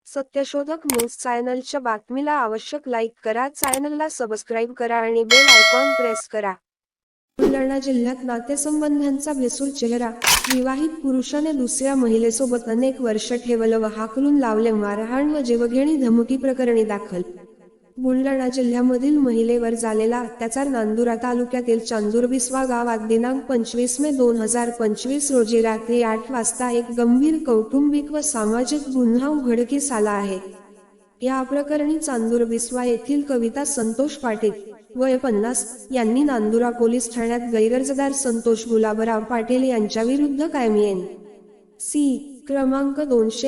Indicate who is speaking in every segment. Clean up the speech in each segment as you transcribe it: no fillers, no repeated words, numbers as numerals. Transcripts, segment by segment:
Speaker 1: सत्यशोधक न्यूज चॅनलच्या बातमीला आवश्यक लाईक करा, चॅनलला सबस्क्राईब करा आणि बेल आयकॉन प्रेस करा. बुलढाणा जिल्ह्यात नातेसंबंधांचा भेसूर चेहरा. विवाहित पुरुषाने दुसऱ्या महिलेसोबत अनेक वर्ष ठेवलं व हाकलून लावले. मारहाण व जीवघेणी धमकी प्रकरणी दाखल. बुलढाणा जिल्ह्यामधील महिलेवर झालेला अत्याचार. नांदुरा तालुक्यातील चांदूरबिस्वा गावात दिनांक 25 मे 2025 रोजी रात्री 8 वाजता एक गंभीर कौटुंबिक व सामाजिक गुन्हा उघडकीस आला आहे. या प्रकरणी चांदूरबिस्वा येथील कविता संतोष पाटील, वय 50, यांनी नांदुरा पोलीस ठाण्यात गैरअर्जदार संतोष गुलाबराव पाटील यांच्याविरुद्ध कायमी एन.सी. क्रमांक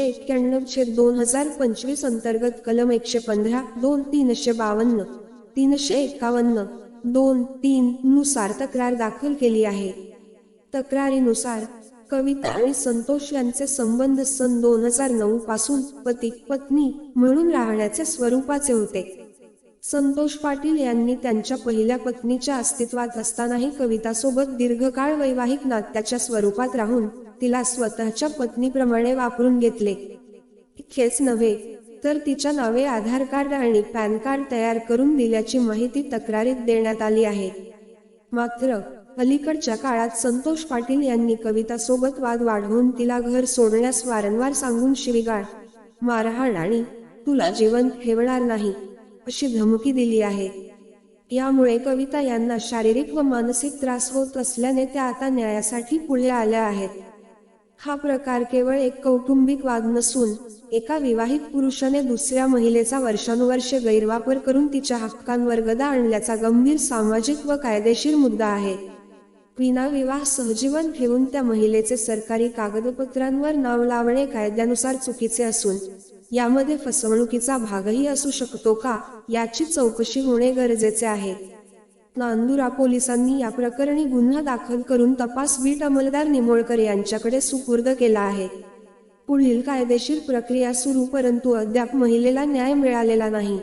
Speaker 1: 291/2025 अंतर्गत कलम 115, 2, 352, 351, 2, 3 नुसार तक्रार दाखल केली आहे. तक्रारीनुसार कविता आणि संतोष यांचे संबंध सन 2009 पासून पती पत्नी म्हणून राहण्याचे स्वरूपाचे होते. संतोष पाटील यांनी त्यांच्या पहिल्या पत्नीच्या अस्तित्वात असतानाही कवितासोबत दीर्घकाळ वैवाहिक नात्याच्या स्वरूपात राहून तिला स्वतःच्या पत्नीप्रमाणे वापरून घेतले. इतकेच नव्हे तर तिच्या नावे आधार कार्ड आणि पॅन कार्ड तयार करून दिल्याची माहिती तक्रारीत देण्यात आली आहे. मात्र अलीकडच्या काळात संतोष पाटील यांनी कवितासोबत वाद वाढवून तिला घर सोडण्यास वारंवार सांगून शिवीगाळ, मारहाण आणि तुला जिवंत ठेवणार नाही अशी धमकी दिली आहे. यामुळे कविता यांना शारीरिक व मानसिक त्रास होत असल्याने त्या आता न्यायासाठी पुढे आल्या आहेत. हा प्रकार केवळ एक कौटुंबिक वाद नसून एका विवाहित पुरुषाने दुसऱ्या महिलेचा वर्षानुवर्षे गैरवापर करून तिच्या हक्कांवर गदा आणल्याचा गंभीर सामाजिक व कायदेशीर मुद्दा आहे. विनाविवाह सहजीवन ठेवून त्या महिलेचे सरकारी कागदपत्रांवर नाव लावणे कायद्यानुसार चुकीचे असून यामध्ये फसवणुकीचा भागही असू शकतो का, याची चौकशी होणे गरजेचे आहे. नांदुरा पोलिसांनी या प्रकरणी गुन्हा दाखल करून तपास बीट अंमलदार निमोळकर यांच्याकडे सुपूर्द केला आहे. पुढील कायदेशीर प्रक्रिया सुरू, परंतु अद्याप महिलेला न्याय मिळालेला नाही.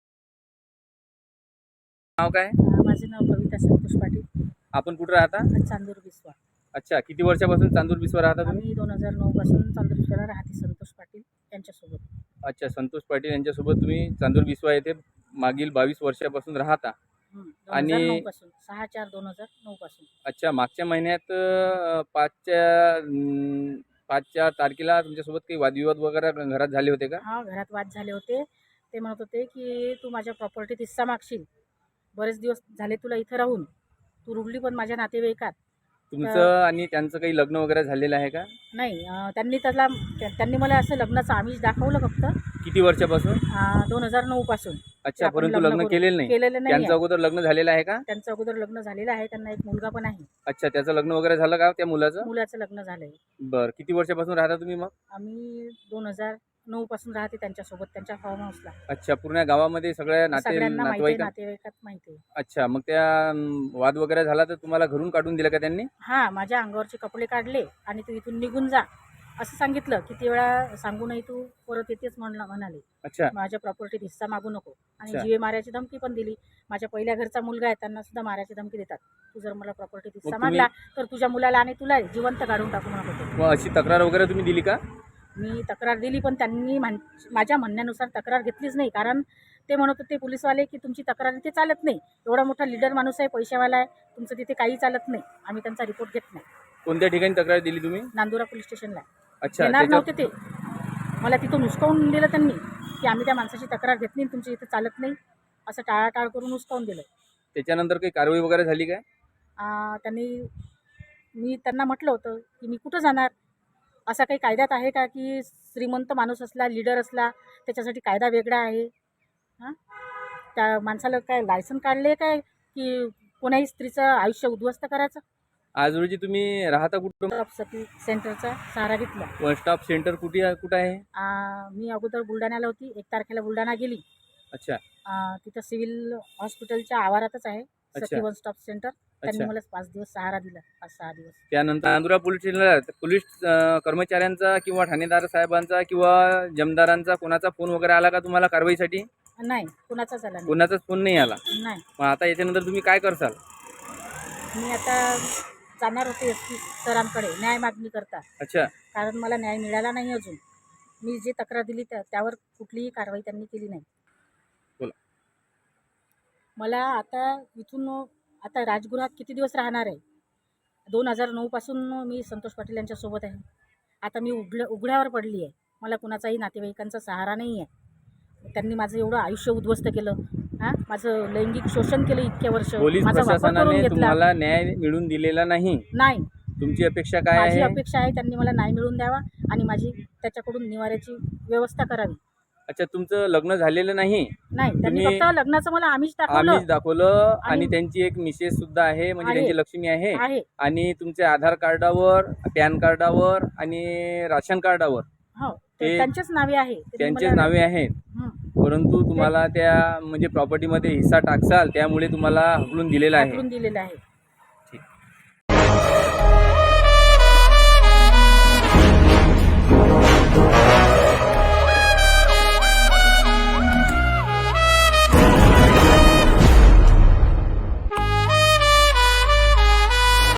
Speaker 2: नाव काय?
Speaker 3: माझे नाव कविता संतोष पाटील.
Speaker 2: आपण कुठे राहता?
Speaker 3: चांदूरबिस्वा.
Speaker 2: अच्छा, किती वर्षापासून चांदूरबिस्वा राहता तुम्ही?
Speaker 3: आम्ही 2009 पासून चांदूरबिस्वाला राहते संतोष पाटील यांच्यासोबत.
Speaker 2: अच्छा, संतोष पाटील यांच्यासोबत तुम्ही चांदूरबिस्वा येथे मागील 22 वर्षापासून राहता. आणि
Speaker 3: 2009 पासून 6/4/2009 पासून.
Speaker 2: अच्छा, मागच्या महिन्यात 5च्या तारखेला तुमच्यासोबत काही वादविवाद वगैरे घरात झाले होते का?
Speaker 3: हा, घरात वाद झाले होते. ते म्हणत होते की तू माझ्या प्रॉपर्टीत हिस्सा मागशील, बरेच दिवस झाले तुला इथं राहून, तू रुडली पण माझ्या नातेवाईकात.
Speaker 2: तुमचं आणि त्यांचं काही लग्न वगैरे झालेलं आहे का?
Speaker 3: नाही, त्यांनी मला असं लग्नाचं आमिष दाखवलं फक्त.
Speaker 2: किती वर्षापासून?
Speaker 3: 2009 पासून.
Speaker 2: अच्छा,
Speaker 3: आपण
Speaker 2: परंतु
Speaker 3: लग्न
Speaker 2: लग्न केलेलं नाही.
Speaker 3: नाही.
Speaker 2: त्यांचं अगोदर लग्न झालेलं आहे का?
Speaker 3: त्यांचं अगोदर लग्न झालेलं आहे, त्यांना एक मुलगा पण आहे.
Speaker 2: अच्छा, त्याचं लग्न वगैरे झालं का त्या मुलाचं?
Speaker 3: मुलाचं लग्न झालंय.
Speaker 2: बरं, किती वर्षापासून राहता तुम्ही मग?
Speaker 3: आम्ही 2009 पासून राहते त्यांच्यासोबत, त्यांच्या फार्म हाऊसला.
Speaker 2: अच्छा, पूर्ण गावामध्ये सगळ्या
Speaker 3: सगळ्यांना माहिती आहे,
Speaker 2: नातेवाईक.
Speaker 3: नातेवाईकात माहिती आहे.
Speaker 2: अच्छा, मग त्या वाद वगैरे झाला तर तुम्हाला घरून काढून दिलं का त्यांनी?
Speaker 3: हां, माझ्या अंगावरचे कपडे काढले आणि तू इथून निघून जा असं सांगितलं. किती वेळा सांगू नाही तू परत येतेच म्हणाले.
Speaker 2: अच्छा.
Speaker 3: माझ्या प्रॉपर्टीत हिस्सा मागू नको आणि
Speaker 2: अच्छा.
Speaker 3: जीवे मारायची धमकी पण दिली. माझ्या पहिल्या घरचा मुलगा आहे, त्यांना सुद्धा मारायची धमकी देतात. तू जर मला प्रॉपर्टीत हिस्सा
Speaker 2: मग तुम्ही-
Speaker 3: मागला तर तुझ्या मुलाला आणि तुला जिवंत काढून टाकू म्हणत होते.
Speaker 2: मग अशी तक्रार वगैरे तुम्ही दिली का?
Speaker 3: मी तक्रार दिली, पण त्यांनी माझ्या म्हणण्यानुसार तक्रार घेतलीच नाही. कारण ते म्हणत होते पोलीसवाले की तुमची तक्रार इथे चालत नाही, एवढा मोठा लीडर माणूस आहे, पैशावाला आहे, तुमचं तिथे काही चालत नाही, आम्ही त्यांचा रिपोर्ट घेत नाही.
Speaker 2: कोणत्या ठिकाणी तक्रार दिली तुम्ही?
Speaker 3: नांदुरा पोलीस स्टेशनला.
Speaker 2: अच्छा,
Speaker 3: येणार
Speaker 2: त्याच्या-
Speaker 3: नव्हते ते, मला तिथून हुसकावून दिलं त्यांनी की आम्ही त्या माणसाची तक्रार घेतली, तुमची इथे चालत नाही असं टाळाटाळ करून हुसकावून दिलं.
Speaker 2: त्याच्यानंतर काही कारवाई वगैरे झाली काय?
Speaker 3: मी त्यांना म्हटलं होतं की मी कुठं जाणार, असा काही कायद्यात आहे का की श्रीमंत माणूस असला, लीडर असला, त्याच्यासाठी कायदा वेगळा आहे? हां, त्या माणसाला काय लायसन काढले काय की कोणाही स्त्रीचं आयुष्य उद्ध्वस्त करायचं?
Speaker 2: आज रोजी तुम्ही राहता कुठं?
Speaker 3: सती सेंटरचा सहारा घेतला.
Speaker 2: वन स्टॉप सेंटर कुठे आहे?
Speaker 3: मी अगोदर बुलढाण्याला होती, 1 तारखेला बुलढाणा गेली.
Speaker 2: अच्छा.
Speaker 3: तिथं सिव्हिल हॉस्पिटलच्या आवारातच आहे
Speaker 2: अच्छा.
Speaker 3: Sakhi one stop centre. त्यांनी
Speaker 2: अच्छा.
Speaker 3: मला 5 दिवस सहारा दिला, 5-6 दिवस.
Speaker 2: त्यानंतर नांदुरा पोलीस स्टेशनला पोलीस कर्मचाऱ्यांचा किंवा ठाणेदार साहेबांचा किंवा जमदारांचा कोणाचा फोन वगैरे आला का तुम्हाला कारवाईसाठी?
Speaker 3: नाही, कुणाचाच आला नाही.
Speaker 2: कोणाचाच फोन नाही आला.
Speaker 3: नाही,
Speaker 2: मग आता याच्यानंतर तुम्ही काय करसाल?
Speaker 3: मी आता जाणार होते SP सरांकडे न्याय मागणी करता,
Speaker 2: अच्छा.
Speaker 3: कारण मला न्याय मिळाला नाही अजून. मी जे तक्रार दिली त्यावर कुठलीही कारवाई त्यांनी केली नाही.
Speaker 2: बोला.
Speaker 3: मला आता इथून आता राजगृहात किती दिवस राहणार आहे? 2009 पासून मी संतोष पाटील यांच्यासोबत आहे. आता मी उघड्यावर पडली आहे. मला कुणाचाही नातेवाईकांचा सहारा नाही आहे. त्यांनी माझं एवढं आयुष्य उद्ध्वस्त केलं. माझं लैंगिक शोषण केलं इतक्या वर्ष.
Speaker 2: पोलीस
Speaker 3: माझा वापर करून
Speaker 2: प्रशासनाने
Speaker 3: घेतला.
Speaker 2: तुम्हाला न्याय मिळवून दिलेला नाही.
Speaker 3: नाही,
Speaker 2: तुमची अपेक्षा काय
Speaker 3: माझी
Speaker 2: आहे?
Speaker 3: अपेक्षा आहे त्यांनी मला न्याय मिळवून द्यावा आणि माझी त्याच्याकडून निवाऱ्याची व्यवस्था करावी.
Speaker 2: अच्छा, तुमचं लग्न झालेलं नाही?
Speaker 3: नाही, त्यांनी
Speaker 2: तुम्ही-
Speaker 3: फक्त लग्नाचं मला आम्हीच
Speaker 2: आम्हीच दाखवलं. आणि
Speaker 3: आणि
Speaker 2: त्यांची एक मिसेस सुद्धा आहे, म्हणजे
Speaker 3: आहे.
Speaker 2: त्यांची लक्ष्मी आहे.
Speaker 3: आहे.
Speaker 2: आणि तुमच्या आधार कार्डावर, पॅन कार्डावर आणि राशन कार्डावर
Speaker 3: हो,
Speaker 2: ते-
Speaker 3: त्यांचेच नावे आहे. त्यांनी
Speaker 2: त्यांचेच
Speaker 3: मला-
Speaker 2: नावे आहेत.
Speaker 3: हं,
Speaker 2: परंतु तुम्हाला त्या म्हणजे प्रॉपर्टीमध्ये हिस्सा टाकसाल त्यामुळे तुम्हाला हकलून दिलेला आहे.
Speaker 3: दाखवून दिलेलं आहे.
Speaker 2: ठीक.